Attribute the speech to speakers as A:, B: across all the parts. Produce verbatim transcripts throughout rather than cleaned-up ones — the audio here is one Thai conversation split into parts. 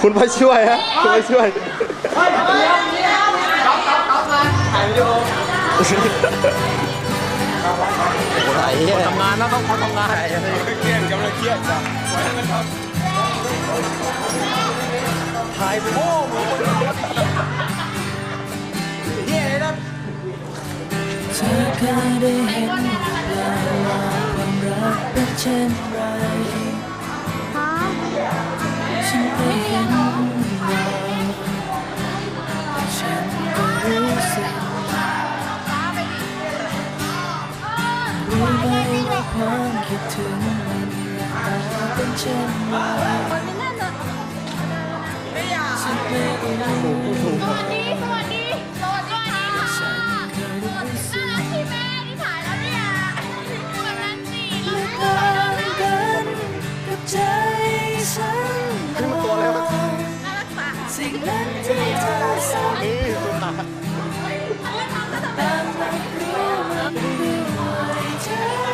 A: คุณพ่อช่วยฮะคุณพ่อช่วย
B: ถ่ายวิดีโอทำงานแล้วต้องเขาทำงานเครียดกำลังเครียดจ้ะปล่อยให้มันทำถ่ายโม่มือเฮียเลยนะ
C: เธอเคยได้เห็นหรือเปล่าว่าความรักเป็นเช่นไรฉันได้เห็นว่าฉันก็รู้สึกรู้ไหมว่าความคิดถึงมันเป็นเช่นไรฉันไม่รู้
D: สวัสดี สวัสดี สวัสดีค่ะน่ารักที่แม่ที่ถ่ายแล้วเนี่ยแบบนั้นสิเราไม่ได้เลยนะ
C: กับใจฉันสิ่งนั้นที่เธอสั่งตามรับรู้มันด้วยใจ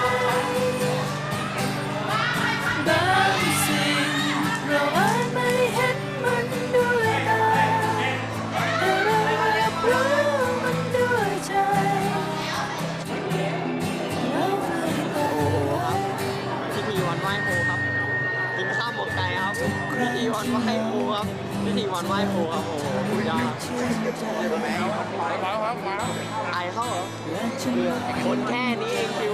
C: บางสิ่งเราอาจไม่เห็นมันด้วยตาแต่เรารับรู้มันด้วยใจเราไม่ต้อง
B: พิธีวันไหว้ครูครับกินข้าวหมกไก่ครับพิธีวันไหว้ครูครับพิธีวันไหว้ครูครับโอ้โหคุณยาไอเข้าเหรอคนแค่นี้เองคิว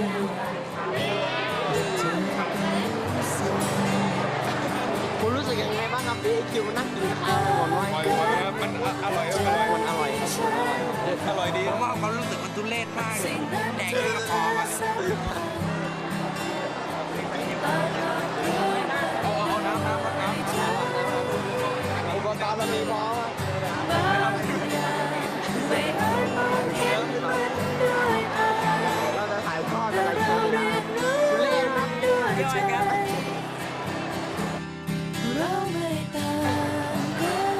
B: คุณรู้สึกยังไงบ้างครับพี่คิวนั่งกินข้าววันไหว้ครู
E: มันอร่อยอร่อย
B: มันอร่อย
E: อร่อยดี
F: เพราะว่าเขารู้สึกมันทุเรศมากเลยแดกแค่กระเพาะมัน
B: เอาเอาน้ำน้ำน้ำอุปกรณ์มันมีพร้อมเราจะถ่ายทอดอะไรกันนะคุณเล่นครับย่อยกัน
C: เราไม่ต่างกัน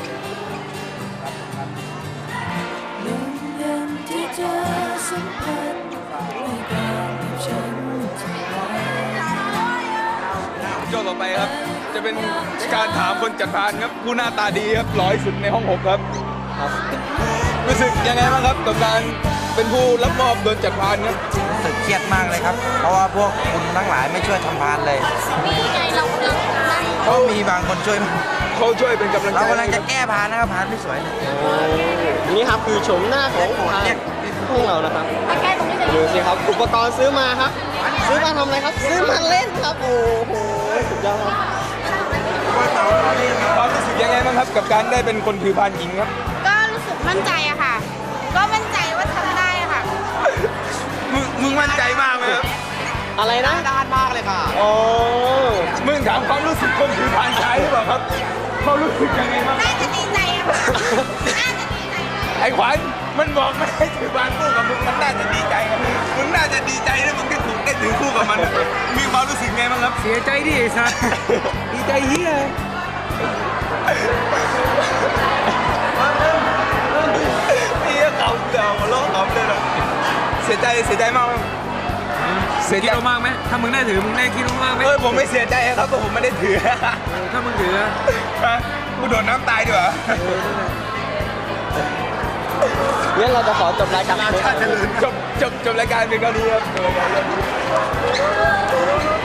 C: ลมเย็นที่เธอสัมผัสไม่ต่างกับฉันเท่าไร
E: ช่วงต่อไปครับ จะเป็นการถามคนจัดพานครับผู้หน้าตาดีครับหล่อที่สุดในห้องหกครับรู้สึกยังไงบ้างครับกับการเป็นผู้รับมอบโดนจัดพานครับ
F: รู้สึกเครียดมากเลยครับ เพราะว่าพวกคุณทั้งหลายไม่ช่วยทำพานเลย
D: นี่ไงเรากำลังนั่ง
F: ก็มีบางคนช่วย
E: เขาช่วยเป็นกำลังใจ
F: เรากำลังจะแก้พานนะครับพานไม่สวยเลย
B: นี่ครับคือชมหน้าของทางพวกเรานะครับ
D: มาแก้ตรงนี้เลย
B: ดูสิครับอุปกรณ์ซื้อมาครับ ซื้อมาทำอะไรครับ ซื้อมาเล่นครับ โอ้โหสุดยอดครับ
E: ความรู้สึกยังไงบ้างครับกับการได้เป็นคนถือพานหญิงครับ
D: ก็รู้สึกมั่นใจอะค่ะ ก็มั่นใจว่าทำได้อะค่ะ
E: มึงมึงมั่นใจมากไหมครับ
B: อะไรนะด้านมากเลยค่ะโอ้
E: มึงถามความรู้สึกคนถือพานชายหรือเปล่าครับเขารู้สึกยังไงบ้าง
D: น่าจะดีใจอะค่ะ น่าจะดีใจ
E: ไอ้ขวัญมันบอกไม่ให้ถือพานคู่กับมึงมันน่าจะดีใจครับมึงน่าจะดีใจนะมึงได้ถูกได้ถือคู่กับมันมีความรู้สึกไงบ้างครับ
F: เสียใจดิสัสดีใจเฮีย
E: นี่เขาเดาโลกเขาเลยนะเสียใจเสียใจมากเสียใจ
F: คิดมากไหมถ้ามึงได้ถือมึงได้คิดมากไหม
E: เออผมไม่เสียใจครับเพราะผมไม่ได้ถือ
F: ถ้ามึงถือ
E: ฮะกูโดนน้ำตายดีกว่า
B: งั้นเราจะขอจบรายการ
E: จบจบจบรายการเป็นเท่านี้ครับ